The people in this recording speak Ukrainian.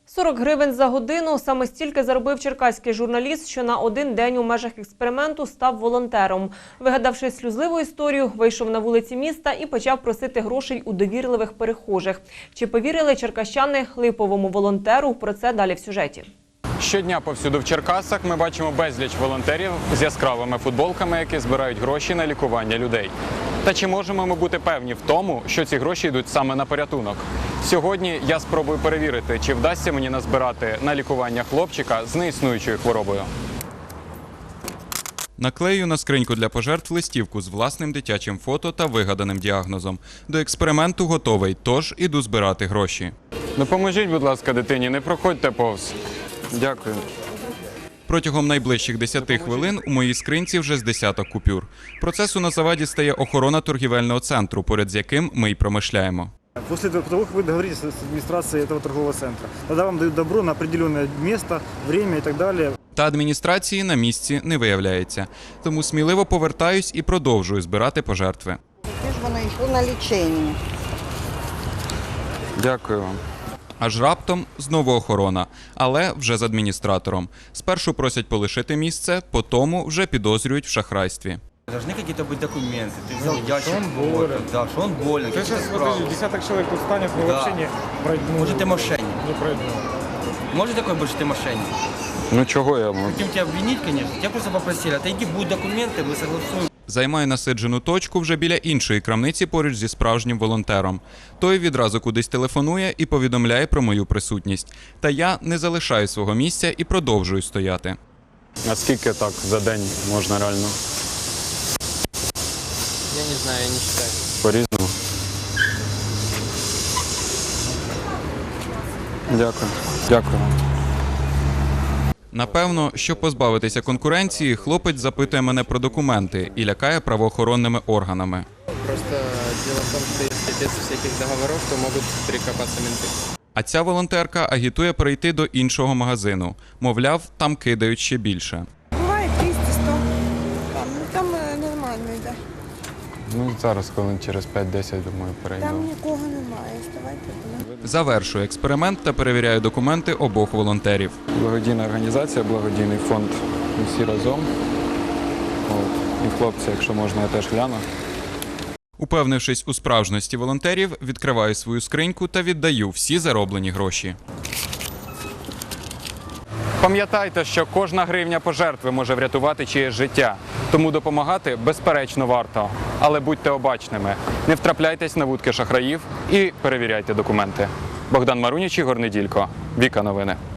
40 гривень за годину – саме стільки заробив черкаський журналіст, що на один день у межах експерименту став волонтером. Вигадавши сльозливу історію, вийшов на вулиці міста і почав просити грошей у довірливих перехожих. Чи повірили черкащани липовому волонтеру? Про це далі в сюжеті. Щодня повсюду в Черкасах ми бачимо безліч волонтерів з яскравими футболками, які збирають гроші на лікування людей. Та чи можемо ми бути певні в тому, що ці гроші йдуть саме на порятунок? Сьогодні я спробую перевірити, чи вдасться мені назбирати на лікування хлопчика з неіснуючою хворобою. Наклею на скриньку для пожертв листівку з власним дитячим фото та вигаданим діагнозом. До експерименту готовий, тож іду збирати гроші. Допоможіть, будь ласка, дитині, не проходьте повз. Дякую. Протягом найближчих 10 хвилин у моїй скринці вже з десяток купюр. Процесу на заваді стає охорона торгівельного центру, поряд з яким ми й промишляємо. После того, как вы договоритесь с администрацией этого торгового центра, тогда вам дают добро на определенное место, время и так далее. Та адміністрації на місці не виявляється. Тому сміливо повертаюсь і продовжую збирати пожертви. Де ж воно йшло на лічення? Дякую вам. Аж раптом знову охорона, але вже з адміністратором. Спершу просять полишити місце, потому вже підозрюють в шахрайстві. Должны какие-то быть документы. Ты взял ящик, да, что он болен. Ты сейчас, подожди, десяток человек тут станет, мы вообще не пройдем. Может, ты мошенник? Не пройдем. Может такое быть, что ты мошенник? Ну чого я можу? Хотим тебя обвинить, конечно. Тебя просто попросили, отойди, будут документы, мы согласуем. Займаю насиджену точку вже біля іншої крамниці поруч зі справжнім волонтером. Той відразу кудись телефонує і повідомляє про мою присутність. Та я не залишаю свого місця і продовжую стояти. А скільки так за день можна реально? Я не знаю, я не считаю. По-різному. Дякую. Дякую. Напевно, щоб позбавитися конкуренції, хлопець запитує мене про документи і лякає правоохоронними органами. Просто дело в том, что если без всяких договоров, то могут прикопаться менты. А ця волонтерка агітує перейти до іншого магазину. Мовляв, там кидають ще більше. Буває 200-100. Там нормально йде. Ну, зараз, хвилин через 5-10, думаю, перейдемо. Там нікого немає. Ставайте. Завершую експеримент та перевіряю документи обох волонтерів. Благодійна організація, благодійний фонд. Ми всі разом. І хлопці, якщо можна, я теж гляну. Упевнившись у справжності волонтерів, відкриваю свою скриньку та віддаю всі зароблені гроші. Пам'ятайте, що кожна гривня пожертви може врятувати чиєсь життя. Тому допомагати, безперечно, варто. Але будьте обачними. Не втрапляйтесь на вудки шахраїв і перевіряйте документи. Богдан Маруніч, Ігор Неділько. Віка Новини.